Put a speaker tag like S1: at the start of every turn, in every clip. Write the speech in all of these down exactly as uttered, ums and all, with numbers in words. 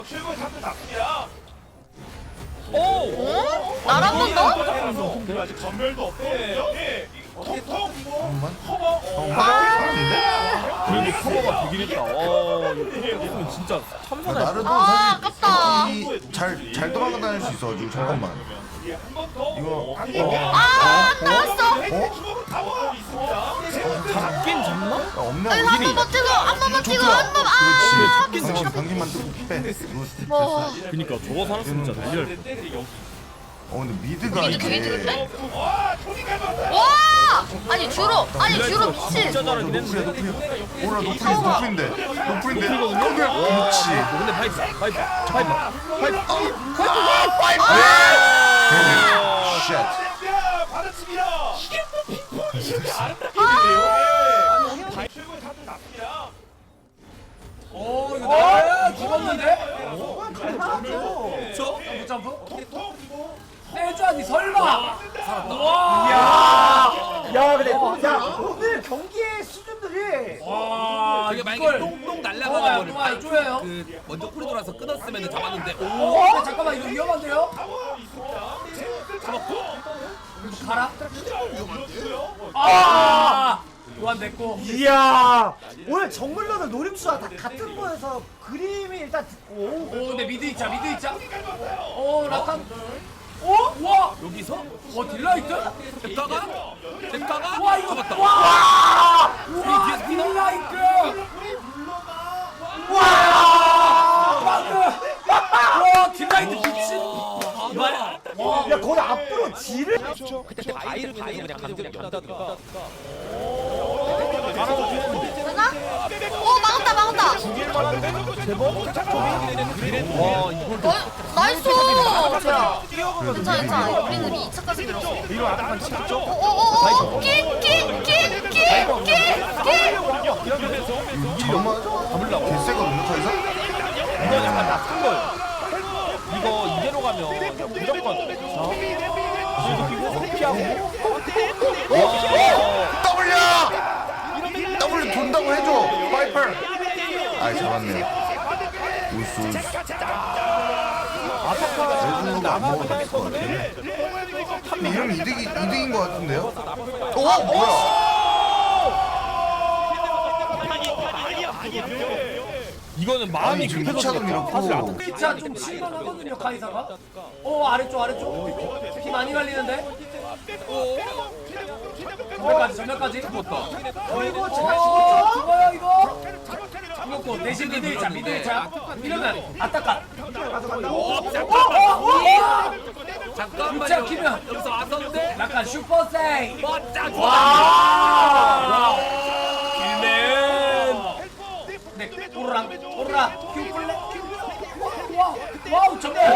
S1: 최고의 상대 나쁘냐?
S2: 오!
S3: 어? 날 한 번 더?
S1: 아직 전멸도 없거든요. 예. 톡톡.
S4: 잠깐만.
S1: 커버.
S4: 아,
S2: 그래도 커버가 되긴 했다. 와, 이거 진짜 참사다.
S4: 나르도
S3: 아,
S4: 사실
S3: 아깝다.
S4: 잘, 잘 도망가 다닐 수 있어가지고 잠깐만.
S1: 예, 한 번 더.
S4: 이거
S3: 아, 나왔어.
S1: 주먹으로 타워 있습니다.
S2: 잡긴 잡나?
S4: 야, 없네.
S3: 아니, 한 번 버티고, 한 번 버티고, 한 번, 아!
S4: 그렇지. 당신 당신만 뜯고 빼. 이거
S3: 와.
S2: 그니까 저거 살았으면 진짜 난리 날 뻔.
S4: 어 근데 미드가
S3: 미드 되게
S4: 이게
S3: 좋은데?
S1: 와, 손이 갈았다.
S3: 와! 아니, 주로, 아니, 주로 미친.
S2: 진짜 잘하긴
S4: 노플이야
S2: 했는데.
S4: 노플이야. 오라 노플인데 노플인데 노플인데.
S2: 노플이거든요?
S4: 그렇지.
S2: 근데 파이프, 파이프, 파이프, 파이프.
S4: 쉣.
S1: 야, 받아칩니다. 이게 또 빅포인트 이렇게 아름답게 되네요. 예. 최고의 상대 나쁘냐?
S5: 오 이거 나야 죽었는데?
S1: 저
S5: 점프 점프?
S1: 톡톡 그리고
S5: 세주아니 설마?
S6: 야, 야, 근데 야 오늘 경기의 수준들이
S5: 와
S7: 저게 만약에
S5: 이걸
S7: 똥똥
S5: 똥아야
S7: 날라가는
S5: 똥아야
S7: 거를
S5: 쪼여요?
S7: 그 먼저 코리도라서 끊었으면 잡았는데 오
S5: 어? 근데 잠깐만 이거 위험한데요?
S1: 타워 있습니다. 제우스 잡았고.
S5: 가라?
S1: 위험했어요.
S5: 아! 요한 됐고
S6: 이야 오늘 정글러들 노림수와 다 같은 거에서 그림이 일단 듣고
S5: 오 근데 미드 있자 미드 있자 오 라칸 오? 와!
S7: 여기서
S5: 와 딜라이트?
S7: 잭가가 잭가가
S5: 와 이거
S7: 잡았다.
S5: 와! 우와
S7: 뒤에서 피나?
S5: 딜라이트! 와! 방금! 와 딜라이트 미친!
S7: 이봐야
S6: 야 거기 앞으로 지를
S7: 그때 바이를 바이를 그냥 감정이 연다든가
S3: 되나? 오, 막았다, 막았다.
S2: 와, 이걸
S3: 어, 나이스! 좋아. 괜찮아, 괜찮아. 우리는 이 차까지 들었어.
S2: 이거 아까 치겠죠?
S3: 오, 오, 오, 오! 킥, 킥, 킥, 킥, 킥, 킥!
S4: 잠깐만.
S2: 잡으려고.
S4: 개쎄거든요 더 이상.
S2: 이거 약간 나쁜 거예요. 이거 이대로 가면 그냥 무조건 자, 그래도 끼고 피하고. 와,
S4: W. W 돈다고 해줘. 파이퍼. 아 잡았네. 우스 우스. 레드가 안 먹어도 될것 같아. 근데 이러면 이득이 이득인 것 같은데요? 어 뭐야?
S2: 이거는 마음이
S4: 아니, 지금
S2: 급해서
S4: 이차도
S2: 그렇다.
S4: 밀었고.
S2: 사실 안
S5: 진짜 좀 실망하거든요 카이사가 오 아래쪽 아래쪽 피 많이 갈리는데 전멸까지 전멸까지 죽었다
S6: 어이구
S5: 어
S6: 제가
S5: 죽어요 이거 죽었고 대신 미드 일자 미드 일자 이러면 아따까
S7: 잠깐만요.
S5: 육자 키면.
S7: 여기서 왔었는데
S5: 약간 슈퍼 세이
S7: 맞자
S5: 와 길맨 네 오르락 오르락 큐플레 와 와우 정말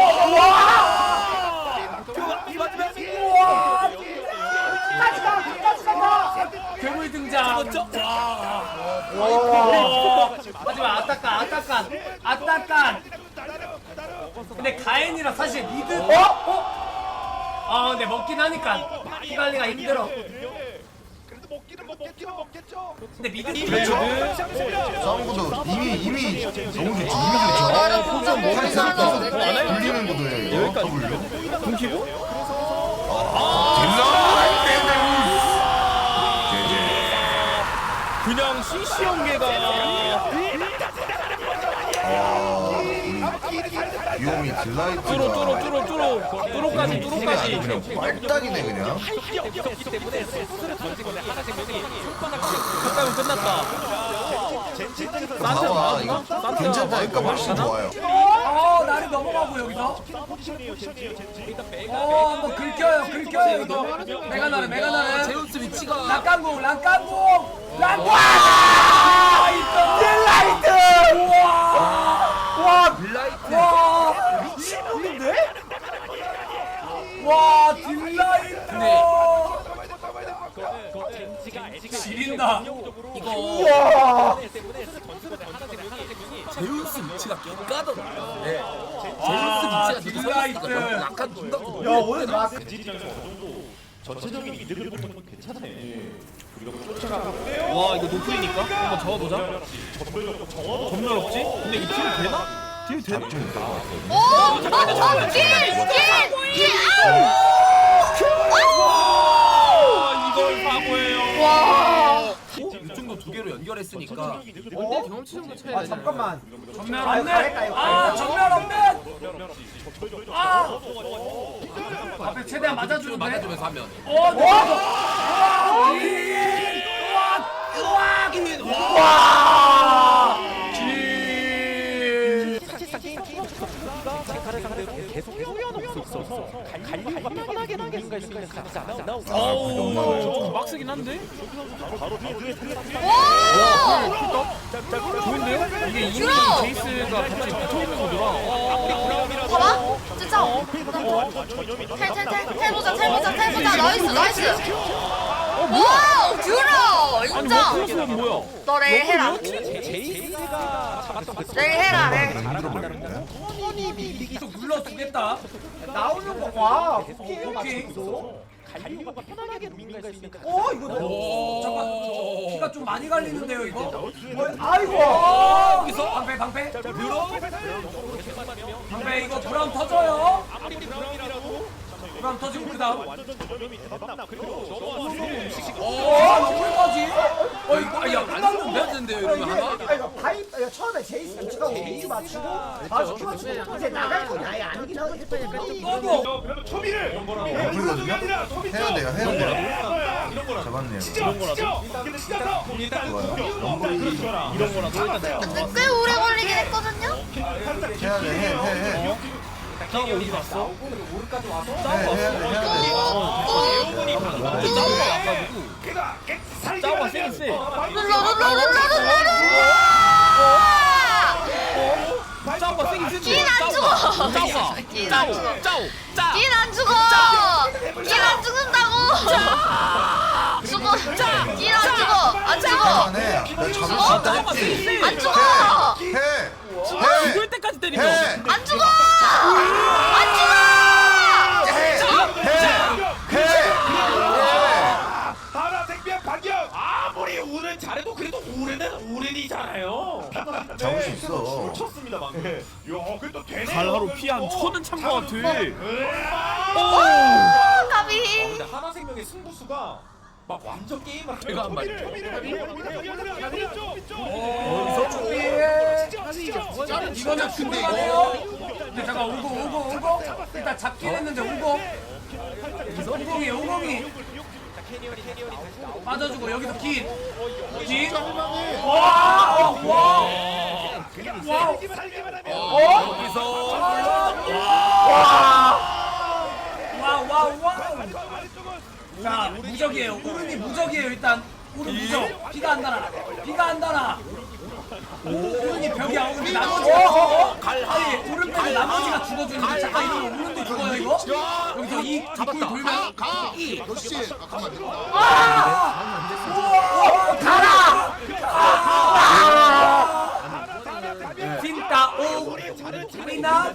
S5: 와
S7: 이 맞으면
S5: 우와 끝까지 가 끝까지 간다 괴물 등장
S7: 그렇죠? 와
S5: 와. 하지만 아따깐 아따깐 아따깐 근데 가엔이라 사실 미드 어? 어? 아 근데 먹긴 하니까 피관리가 힘들어
S1: 그래도 먹기는 뭐 먹기는 먹겠죠.
S5: 근데 미드
S4: 그렇죠. 싸움구도 이미 이미 너무 좋죠. 이미
S3: 어, 나를
S4: 좋죠.
S3: 보자, 뭐
S4: 카이사
S3: 하나
S4: 계속
S3: 하는데?
S4: 불리는 구도예요. 이거 W.
S2: 공키고? 그냥 씨씨 연계가
S4: 비오미 딜라이트가
S2: 뚜로 뚜로 뚜로 뚜로 뚜로까지 뚜로까지
S4: 그냥 빨딱이네 그냥.
S2: 끝나면 끝났다. 산테
S4: 봐봐 이거
S2: 나왔나?
S4: 괜찮다. 그러니까 훨씬 좋아요.
S5: 어 날이 넘어가고 여기서 어 한번 긁혀요 긁혀요 이거 메가나르 메가나르
S7: 제우스 위치가
S5: 락강공 락강공 락강 와 딜라이트 우와
S7: 블라이트
S5: 와 미친놈인데? 와 딜라이트 지린다
S7: 이거 제우스 위치가 깽까더라. 네. 제우스 위치가
S5: 딜라이트.
S7: 너무 약간 중간
S6: 야 오늘 막
S1: 전체적인 이득을 보면 괜찮네.
S2: 와 이거 노플이니까 한번 잡아보자. 전멸 없지? 근데 이거 킬 되나? 뒤에 대.
S4: 잡좀 있다.
S3: 오! 어! 어! 길! 길! 길!
S2: 아, 이걸 사고예요.
S3: 와!
S7: 이 정도 두 개로 연결했으니까
S6: 어?
S7: 경험치 정도 차이
S6: 아
S7: 나잖아요.
S6: 잠깐만.
S5: 전면
S6: 아유,
S5: 없네.
S6: 가겠다, 이거.
S5: 아 전면 없네. 아 앞에 최대한 맞아주는데.
S7: 맞아주면서 하면
S5: 어 와! 와! 와! 길.
S1: 체카를 상대로 계속 뛰어넘고 있어서 갈리오가 편하게 누군가 있으면 같이 안 나오고.
S2: 어우, 좀 빡세긴 한데.
S1: 바로 뒤에
S3: 와!
S2: 좋은데요? 이게 이미
S3: 들어!
S2: 제이스가 같이 붙어 있는 거더라. 어.
S3: 봐봐! 진짜! 탈탈탈! 탈보자 탈보자 탈보자! 나이스 나이스! 와우! 듀라!
S2: 아니,
S3: 인정!
S2: 워크로스는 뭐야?
S3: 너 레일 해라!
S1: 제이스가 잡았던 그
S3: 레일 해라 레일!
S4: 힘들어 버리네.
S5: 좀 눌러주겠다.
S6: 나오는 거 와. 오케이
S5: 오케이.
S6: 맞췄어.
S1: 갈리오가 편하게 누군가 있으면 같이
S6: 어 이거 너.
S5: 오 잠깐 피가 좀 많이 갈리는데요 이거?
S6: 어, 아이고.
S5: 어 여기서 방패 방패 방패 이거 브라운 터져요.
S1: 아무리 브라운이라도
S5: 브라운 터지고 그 다음
S1: 완전 전염이 대박나. 그리고 넘어와서
S5: 어 너무까지? 어 이거 아야
S7: 안
S5: 끝났는데?
S7: 썼는데요
S6: 아,
S7: 이러면
S6: 이게
S7: 하나?
S6: 아 이거 파이프 아, 처음에 제이스 위치가 오른쪽 맞추고 맞추고 맞추고 이제 나갈 건 아예 아니긴 하거든.
S5: 너도
S1: 그래도 초비를
S4: 아프거든요? 해야 돼요, 해야 돼요. 잡았네요.
S1: 이런 거라도
S4: 좋아요. 럼블이
S1: 이런 거라도 일단
S3: 근데 꽤 오래 걸리긴 했거든요?
S4: 해야 돼, 해, 해, 해.
S5: 저거 어디 갔어?
S6: 오른까지 와서
S4: 해, 해야 돼, 해야 돼.
S2: 짜오가 와가지고. 짜오가 세긴 세.
S3: 눌러 눌러 눌러 눌러 눌러!
S2: 짜오가 세긴 센데.
S3: 긴 안 죽어!
S2: 짜오가.
S3: 긴 안 죽어!
S2: 짜오. 짜.
S3: 긴 안 죽어! 긴 안 죽는다고! 죽어! 긴 안 죽어! 안 죽어!
S4: 할만해. 나 잡을 수 있다
S2: 짜오가 세긴
S4: 했지.
S2: 세.
S3: 안 죽어!
S4: 해, 해,
S2: 죽을 때까지 때리면.
S4: 해,
S3: 안 죽어! 안 죽어!
S4: 해, 해.
S1: 하나 생명 반격. 아무리 우는 잘해도 그래도 우는은 우는이잖아요.
S4: 잡을 수 있어.
S1: 쳤습니다 방금. 야, 그래도 되네.
S2: 갈하로 피한 천은 찬거 같아.
S3: 오, 가비!
S1: 근데 하나 생명의 승부수가 막 완전 게임을
S7: 제가 한 말.
S5: 어디서 준비해? 이거는 준비하네요. 근데 잠깐 오고 오고 오고 일단 잡긴 했는데 오고 오공이 오공이 빠져주고 여기서 긴 긴. 와! 어, 와! 와! 어?
S7: 여기서
S5: 와! 와! 와! 자 무적이에요. 오른이 무적이에요. 일단 오른 무적. 피가 안 달아. 피가 안 달아. 오른이 벽이야. 오른이 나머지. 아니 오른 빼고 나머지가 죽어주는데 잠깐 이거 오른도 죽어요 이거? 여기서 이 뒷골 돌면 이. 아! 가라! 진짜 오 피나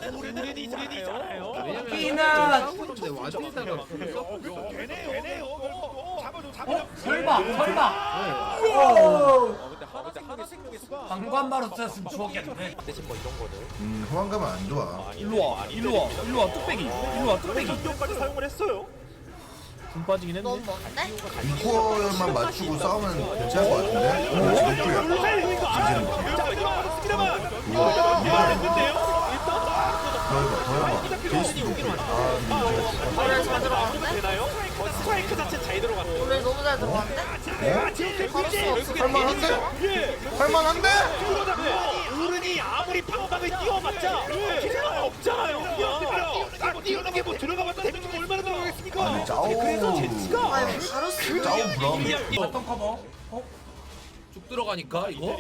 S5: 피나 어? 설마 설마 우와 방관바로 썼으면 죽었겠네.
S4: 음, 호환감은 안 좋아.
S2: 일로 와. 일로 와. 일로 와. 뚝배기. 일로 와. 뚝배기.
S1: 까지 사용을 했어요.
S2: 돈 빠지긴 했네.
S3: 너무 먼데?
S4: 이 코어만 맞추고 싸우면 괜찮을 것 같은데? 오, 지금 더 해봐, 더 해봐. 제이스 노플. 아, 근데 이제
S3: 노래 잘 들어갔는데?
S1: 되나요? 스트라이크 자체 잘 들어갔어요.
S3: 노래 너무 잘 들어갔는데? 바로 수 없어.
S4: 할만한데? 할만한데?
S1: 어른이 아무리 방방을 뛰어봤자 필요가 없잖아요. 그냥 뛰어는 게 뭐 들어가봤자 데미지가 얼마나 들어가겠습니까?
S4: 아니, 짜오.
S1: 그래서 제치가
S3: 아유 바로 수.
S4: 짜오 브라운.
S5: 어떤 커버? 어?
S7: 쭉 들어가니까 이거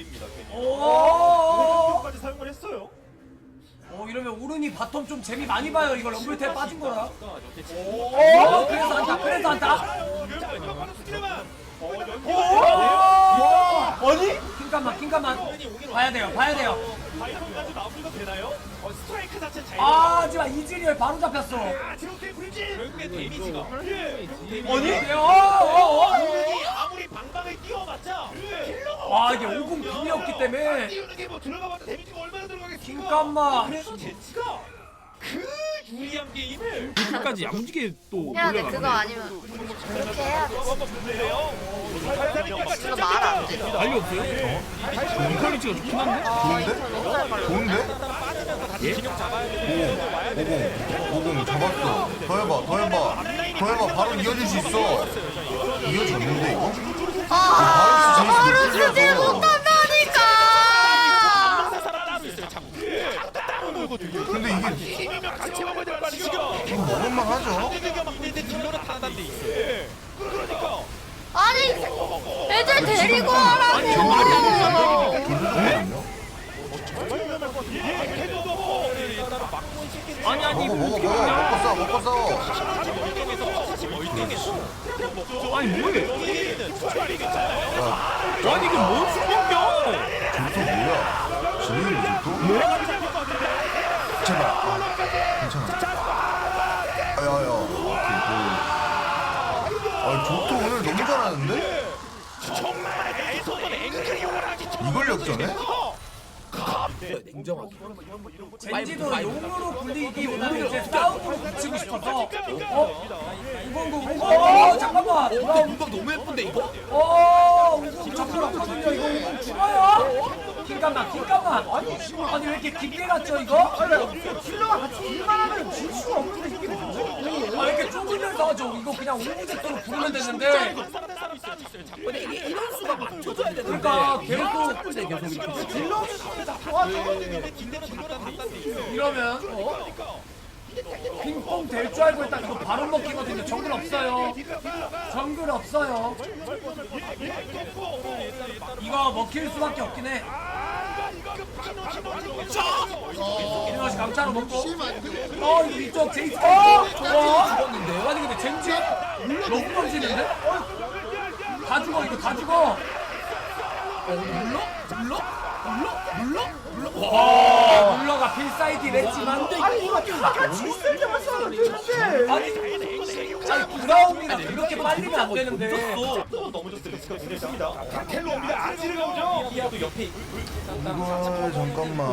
S5: 오!
S1: 까지 사용을 했어요.
S5: 어 이러면 오른이 바텀 좀 재미 많이 봐요. 이거 럼블탭 빠진 거라. 오 그래서 한다. 그래서 한다.
S6: 아니?
S5: 킹감만 킹감만 봐야 돼요. 봐야 돼요.
S1: 바이턴까지 마무리가 되나요? 어, 스트라이크 자체 잘
S5: 아 하지만 이즈리얼 바로 잡혔어.
S1: 아, 지옥의 불진! 결국에 데미지가 예.
S5: 아니? 어어어
S1: 어른이 아무리 방방을 뛰어봤자 필요가
S5: 아 이게 오공 분이었기 때문에
S1: 띄우는 게 뭐 들어가봤자 데미지가 얼마나 들어가겠습니까?
S5: 잠깐만.
S1: 그래서 제치가 그 유리한 게임을
S2: 끝까지 야무지게 또
S3: 해야 돼.
S2: 올려가네.
S3: 그거 아니면 그렇게 해야 돼. 이거 말 안 돼.
S2: 난리 없어요? 인컬리치가 좋긴 한데?
S4: 좋은데? 좋은데?
S2: 예?
S4: 오공 오공 잡았어. 더 해봐 더 해봐 더 해봐. 바로 이어질 수 있어. 이어졌는데 이거?
S3: 아,
S4: 바로
S3: 바로
S4: 수질
S3: 수질 못한다니까.
S4: 근데 이게
S1: 팀이면 같이 먹어야 될 거 아니죠?
S4: 이거 먹을만 하죠?
S1: 근데 딜러는 타는 데 있어요. 그러니까
S3: 아니, 애들 데리고 하라고.
S2: 아니 아니
S4: 먹어
S2: 이거
S4: 먹어
S2: 어떻게
S4: 먹어
S2: 먹냐?
S4: 먹고 싸 먹고 싸.
S2: 아니 뭐해? 아니 이게 뭔 수명이야?
S4: 저또 뭐야? 진행이 저또? 제발. 아, 괜찮아. 야야. 아 저또 오늘 너무 잘하는데?
S1: 정말 내손은 앵크리용을 하기
S4: 이걸 역전해?
S7: 냉정하게.
S5: 젠지도 용으로 굴리기보다는 이제 싸움으로 붙이고 싶어서 어? 우공국 어 잠깐만
S7: 근데 문박 너무 예쁜데 이거?
S5: 어 우공 잡으러 왔거든요 이거 우공 죽어요? 잠깐만 잠깐만 아니 아니 왜 이렇게 깊게 갔죠 이거?
S6: 킬러가 같이 일만 하면 질 수가 없는데 이게 뭐지?
S5: 아 이렇게 좁으면서 하죠 이거 그냥 오브젝트로 부르면 되는데
S7: 근데 이게 이런 수가 맞춰줘야 되는데.
S5: 그러니까 계속
S7: 예쁜데 계속 이렇게.
S6: 딜러 와 저거
S5: 이러면 어? 핑퐁 될 줄 알고 일단 이거 바로 먹히거든요 정글 없어요 정글 없어요 이거 먹힐 수밖에 없긴 해 이러시 강차로 먹고 어 이거 이쪽 제이스 어? 좋아
S7: 죽었는데요?
S5: 아니 근데 젠지 너무 던지는데? 다 죽어 이거 다 죽어
S7: 물러? 물러? 물러? 물러? 물러?
S5: 와 물러가 필사이드를 했지만
S6: 아니 이거 같이 있을 때만 싸우면 되는데
S5: 아니 아니 브라움이랑 이렇게 빨리면 안 되는데
S1: 텔로 옵니다. 아지르 가오죠.
S4: 이걸 잠깐만.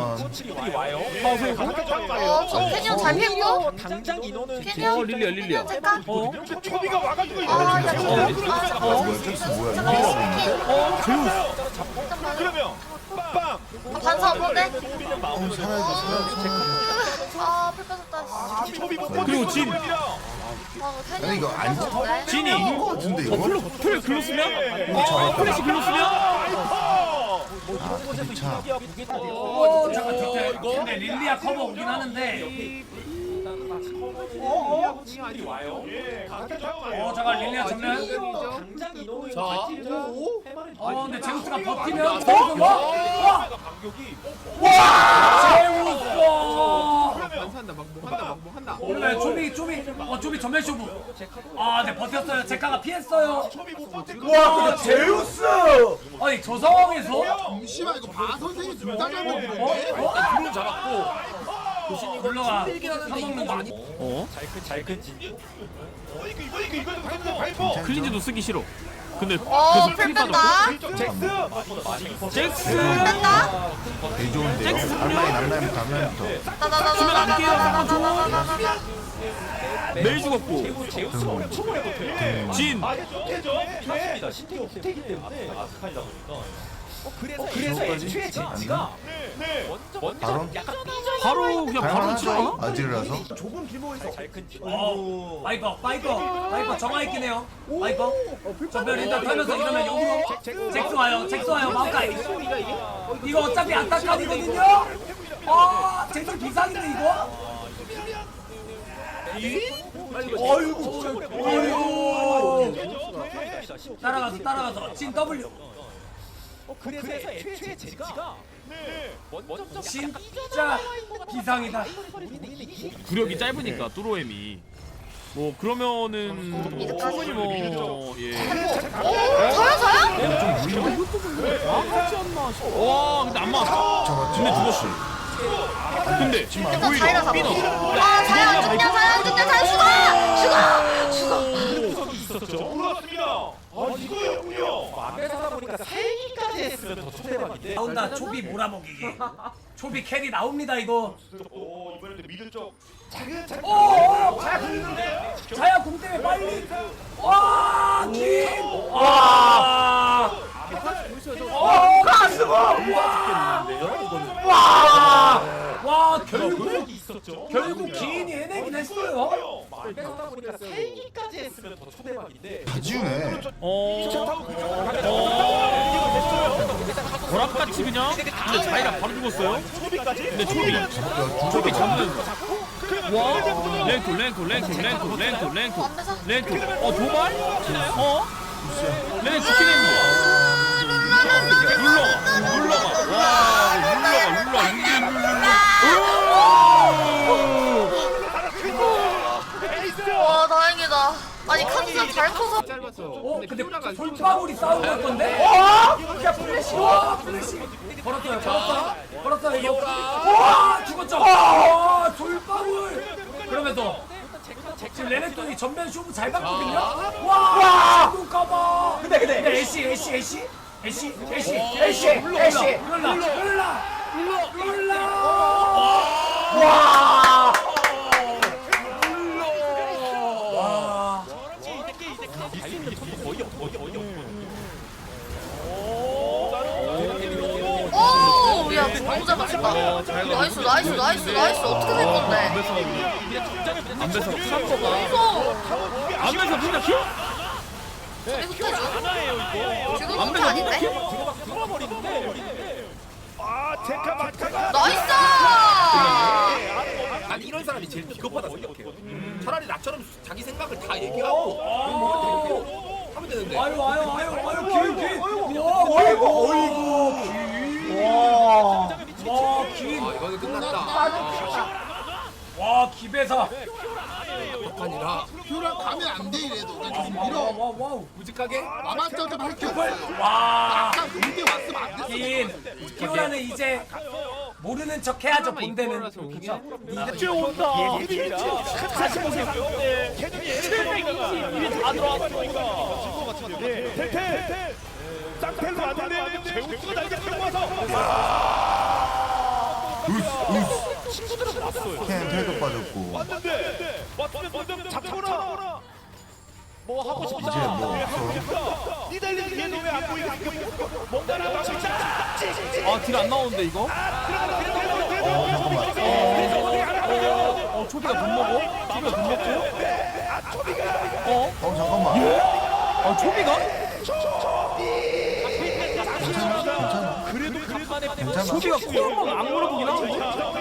S3: 어, 저 캐니언 잘 폈고.
S1: 당장 인원은
S3: 캐니언.
S2: 어 릴리야 릴리야.
S3: 잠깐.
S2: 어?
S1: 초비가 와가지고
S3: 아,
S1: 이거
S3: 야, 저거. 아, 어.
S4: 뭐야 잭스 뭐야?
S3: 잠깐만,
S4: 이거
S3: 스킨.
S2: 어 제우스.
S3: 잠깐만.
S1: 그러면 빵.
S3: 아, 반사 없는데?
S4: 어 살아야지 살아야지.
S3: 아, 풀 빠졌다. 씨.
S1: 초비 못
S2: 그리고 진.
S3: 아,
S4: 아니 이거 안 잡.
S3: 네.
S2: 진이.
S4: 이거 같은데 이거?
S2: 플로 플 글로 쓰면? 어 플래시 글로 쓰면?
S4: 아 자.
S5: 오 잠깐 뒤태 근데 릴리아 커버 오긴 하는데 어어? 어 잠깐 릴리아 전면
S7: 자.
S5: 어 근데 제우스가 버티면 제우스 와! 와! 와! 제우스! 원래 조비 조비 어 조비 전면 쇼부 아네 버텼어요 제카가 피했어요 와 제우스! 아니 저 상황에서
S8: 씨발 이거 바 선생이 둘 다
S5: 어?
S8: 잘못했는데?
S5: 어?
S7: 드론 잡았고. 교신이
S5: 올라가
S7: 힘들긴 하는데 이거 많이.
S2: 어?
S1: 이거 이거 이거 이거 방금 발포.
S2: 클린즈도 쓰기 싫어. 근데
S3: 어,
S2: 계속
S3: 풀
S2: 풀
S3: 뺀다.
S2: 빠졌고.
S1: 잭스.
S2: 잭스.
S3: 뺀다?
S4: 개 좋은데요. 앞라인 앞라인부터 앞라인부터.
S3: 나나나나나나나나나나나.
S2: 매일 죽었고. 진.
S1: 그래서 애초에 젠지가
S4: 바로
S2: 바로 그냥 바로 치나?
S4: 할만하죠? 아지르라서.
S6: 좁은 길목에서
S5: 어, 파이퍼, 파이퍼, 파이퍼 정화있긴 해요. 파이퍼. 전멸 일단 털면서 이러면 용으로. 잭스 와요, 잭스 와요, 마우카이. 이거 어차피 안타깝거든요? 아, 잭스 비상인데, 이거? 어이구, 어이구. 따라가서, 따라가서. 진 W.
S1: 그래서 애초에 젠지가
S5: 진짜 비상이다.
S2: 구력이 짧으니까 뚜로엠이. 뭐 그러면은 충분히 뭐 예.
S3: 오, 저요, 저요?
S2: 와 근데 안 맞았어.
S4: 잡았지.
S2: 근데 죽었어. 근데
S3: 일단
S2: 오히려
S3: 자이라 잡아.
S2: 삐너.
S3: 아, 자이라 안 죽냐, 자이라 안 죽냐, 자이라 죽어! 죽어! 죽어!
S1: 있었죠. 몰랐습니다. 아 이거였군요. 생각해보니까 세기까지 했으면 더 초대박인데.
S5: 나온다 초비 몰아먹이기. 초비 캐리 나옵니다 이거.
S1: 오 이번에도 미드 쪽 작은 작은.
S5: 오, 자야 공 있는데? 자야 공 때문에 빨리. 와, 김. 와. 어, 가스고. 와. 와, 결국
S1: 있었죠.
S5: 결국 기인이 해내긴 했어요.
S1: 뺏다 보니까 세기까지 했으면 더 초대박인데.
S4: 다 지우네.
S2: 어. 보락같이 그냥. 근데 자이라 바로 죽었어요.
S1: 초비까지.
S2: 근데 초비. 초비 잡는. 와. 랭크 랭크 랭크 랭크 랭크 랭크 랭크. 어 도발? 어? 랭크 죽긴 했네. 눌러가 눌러가. 와 눌러가 눌러 눌러 눌러.
S3: 와 다행이다. 아니 칸스 잘 커서.
S5: 어, 근데 솔방울이 싸우고 있던데? 어? 야, 플래시. 와, 플래시. 걸었어요, 걸었어요. 걸었어요, 이거. 와, 죽었죠? 와, 솔방울. 그러면서 지금 레넥톤이 전면 쇼부 잘 갔거든요? 와, 친구 까봐. 근데, 근데, 근데 애쉬, 애쉬, 애쉬? 애쉬, 애쉬, 애쉬, 애쉬. 룰라, 룰라, 룰라, 룰라. 와.
S3: 오, 야 너무 잘 맞췄다. 나이스 나이스 나이스 나이스. 어떻게 된 건데?
S2: 안배서 칸거가
S3: 무서워.
S2: 안배서 진짜 킬?
S3: 저리 흩어져. 지금 혼자 아닌데?
S1: 아 제카 마카가.
S3: 나이스!
S7: 난 이런 사람이 제일 비겁하다 생각해요. 차라리 나처럼 자기 생각을 다 얘기하고 어, 하면 되는데.
S5: 아유 아유 아유 아유 길 길. 와 어이구 어이구 길. 와. 와 길.
S7: 아 이거는 끝났다.
S5: 와 기배사.
S7: 아니라
S8: 표랑 가면 안 돼 이래도 그냥 좀 밀어.
S5: 와와 와우.
S7: 무직하게
S8: 마마점 좀 할게.
S5: 와.
S8: 아까 공대 왔으면 안 됐어.
S5: 긴. 키오라는 이제 모르는 척 해야죠 본대는. 그렇죠.
S1: 이제 온다. 다시 보세요. 이미 다 들어왔으니까. 네, 텔텔. 쌍텔로 왔는데 제우스가 날개 끌고 와서. 친구들은 왔어요.
S4: 캔 텔도 빠졌고.
S1: 왔는데 왔으면 먼저 잡거나. 뭐 하고 싶다.
S4: 이제 뭐
S1: 네, 하고
S4: 없어.
S1: 싶다. 니달리 얘는 왜안 보이게 뭔가를 하고 싶다.
S2: 아 딜 안 나오는데 이거?
S4: 어 잠깐만.
S2: 어 초비가 돈 먹어? 초비가 돈 먹고? 어?
S4: 어 잠깐만.
S2: 아 초비가?
S4: 괜찮아 괜찮아.
S1: 그래도 간만에
S4: 괜찮아.
S2: 초비가 코로나가 안 물어보긴 하는데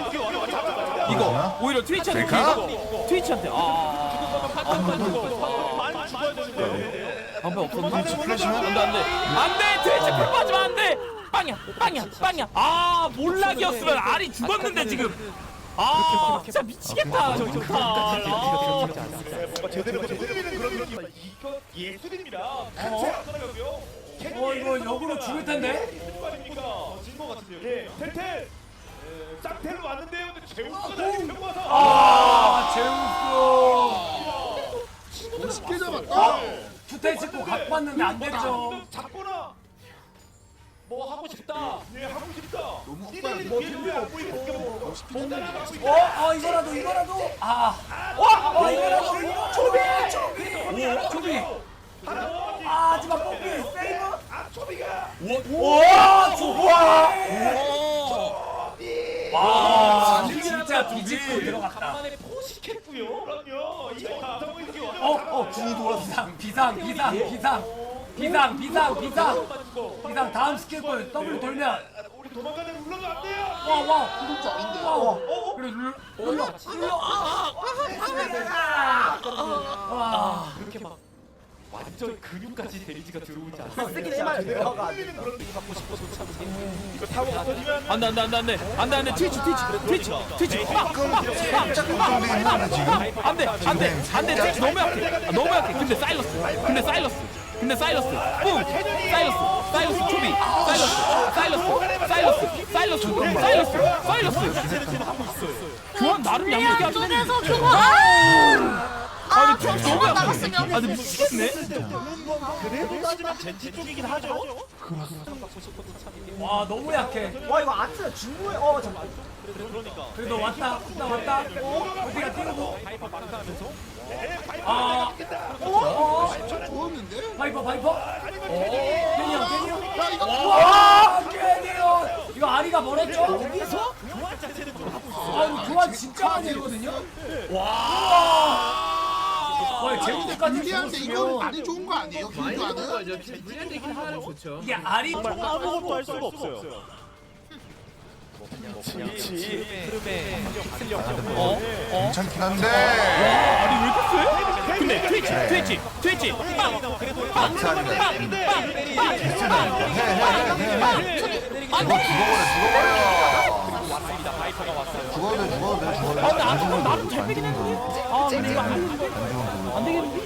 S2: 이거 오히려 트위치한테
S4: 될까?
S2: 이거 트위치한테 아
S1: 많이 죽어야 되는데.
S2: 방패 없었나?
S4: 트위치 플래시면?
S2: 안돼 안돼 안돼 트위치 풀 빠지면 안돼 빵이야 빵이야 빵이야 아 몰락이었으면 알이 죽었는데 지금 아 진짜 미치겠다 저 좋다 아.
S1: 뭔가 제대로 제대로 그런 느낌. 이거 예술입니다. 어?
S5: 어 이거 역으로 죽을 텐데.
S1: 진거 같은데요. 네, 텔텔. 쌍텔로 왔는데요. 근데 제우스가 날개 끌고 와서.
S5: 아 제우스.
S8: 멋있게 잡았다.
S5: 투텔 찍고 각 봤는데 안 됐죠.
S1: 잡거나. 뭐 하고 싶다. 네, 하고 싶다. 너무 뭐 뒤에 안 보이고.
S5: 어? 아 이거라도 이거라도 아 와! 어 이거라도 초비! 초비! 초비! 아 하지만 뽀삐 세이브!
S1: 아, 초비가.
S5: 와! 초비! 와 진짜 뒤집고 들어갔다.
S1: 간만에 포식했고요. 그럼요. 이거 감성을 이겨.
S5: 어? 어 중이 돌아서 비상 비상 비상 비상 비상 비상 비상 비상 다음 스킬볼 더블 돌면
S1: 우리 도망가는 물러도 안 돼요.
S5: 와와 구독자 아닌데 와와 그래 눌러 눌러 눌러 와
S1: 이렇게 막 완전 근육까지 데미지가 들어오지 않아요.
S6: 쓰긴 해봐야 돼요.
S1: 이거 타고 없어지면
S2: 안돼 안돼 안돼 안돼 안돼 안돼 트위치 트위치 트위치 트위치
S4: 걱정돼 있는데 지금.
S2: 안돼 안돼 안돼 트위치 너무 약해 아, 너무 약해 근데 사일러스 근데 사일러스 근데 사일러스 뿡 사일러스 사일러스 초비 사일러스 사일러스 사일러스 사일러스 사일러스 사일러스 교환 나름 양쪽이
S3: 우리
S2: 하긴 했는데
S3: 안쪽에서 교환! 아! 아,
S2: 근데
S3: 그럼
S2: 너무
S3: 저만
S2: 약해.
S3: 나갔으면.
S2: 아 근데 미치겠네.
S1: 그래도 따지면 젠지 쪽이긴 하죠.
S5: 와 너무 약해.
S6: 와 이거 아트 중국에 어 잠깐.
S5: 그래도 왔다 왔다 왔다. 어디가 뛰고. 아. 어.
S8: 좋았는데?
S5: 바이퍼 바이퍼. 괜히 형 괜히 형.
S8: 야 이거
S5: 와 괜히 형. 이거 아리가 멀었죠? 여기서? 아 이거 교환 진짜 많이 되거든요. 와. 와 제우드까지
S8: 유리한데 이거는 많이 좋은 거 아니에요? 길교환은?
S7: 불리한 얘기는 하나는 좋죠.
S5: 이게 아리
S1: 아무것도 할 수가 없어요.
S2: 어? 어?
S4: 괜찮긴 한데.
S2: 아니 왜 이렇게 세? 근데 트위치 트위치 트위치 빵!
S4: 마트 아니라 해해해해 죽어 죽어버려 죽어버려. 죽어도 돼 죽어도 돼 죽어도 돼.
S2: 아, 근데
S4: 안
S2: 아직은
S4: 죽으면
S2: 나름
S4: 모르고,
S2: 잘
S4: 안
S2: 빼긴
S4: 죽으면
S2: 했는데.
S4: 모르고.
S2: 아 근데 이거 안
S4: 안 죽으면 모르고.
S2: 안 되겠는데?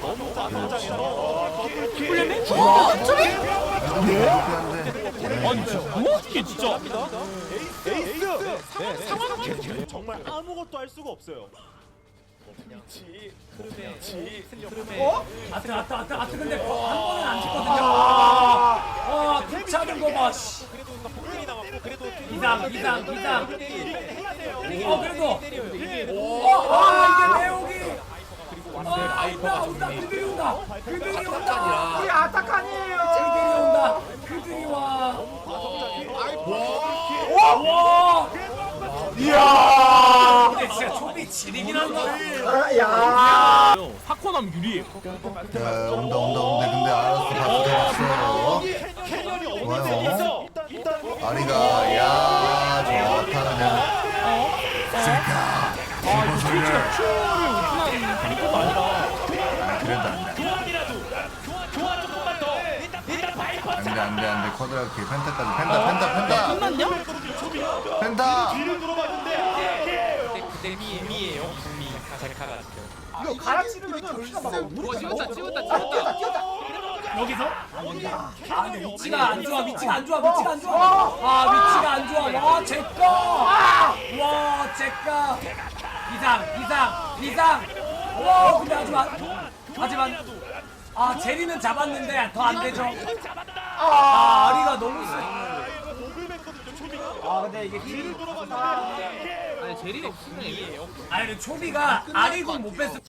S2: 풀렸네?
S4: 그렇긴 한데.
S2: 아니 진짜 뭐지 이게 진짜?
S1: 에이스 상황 정말 아무것도 할 수가 없어요.
S6: 어?
S5: 아트 아트 아트 아트 근데 한 번은 안 찍거든요. 아 피차는 거 봐. 씨. 이상 이상 이상. 어 그래도. 어아 이게 내용이. 아 온다 온다 그들이 온다. 그들이 온다.
S6: 이 아타크 아니에요.
S5: 그들이 온다. 그들이 와. 와. 이야. 근데 진짜 초비 지리긴 한다.
S6: 아, 야.
S2: 사코남 유리해요.
S4: 야 온다 온다 온다. 근데 알았어 봤어
S1: 캐년이
S4: 좋아요.
S1: 어디서 일단 일단
S4: 아리가 야저 그냥 쓸까.
S2: 아 이거 트위치가 큐를 오픈한 것도 아니라
S4: 그래도 안돼
S1: 교환이라도 교환 교환 조금만 더 일단 일단 바이퍼
S4: 안돼 안돼 안돼 쿼드라키 펜타까지 펜타 펜타 펜타
S2: 끝났냐?
S4: 펜타.
S1: 뒤를 물어봤는데
S6: 이거 갈아치르면 피가 막
S7: 뭐 찍었다 찍었다
S6: 아,
S7: 찍었다.
S6: 뛰었다 뛰었다.
S5: 여기서? 아 근데 위치가 안 좋아 위치가 안 좋아 위치가 안 좋아 아 위치가 안 좋아 와 제꺼 와 제꺼 비상 비상 비상 와 근데 하지만 하지만 아 제리는 잡았는데 더 안 되죠 아 아리가 너무 세
S6: 아 근데 이게 길
S7: 아니 제리가 없으면 애매해요.
S5: 아니 근데 초비가 아리군 못 뺐어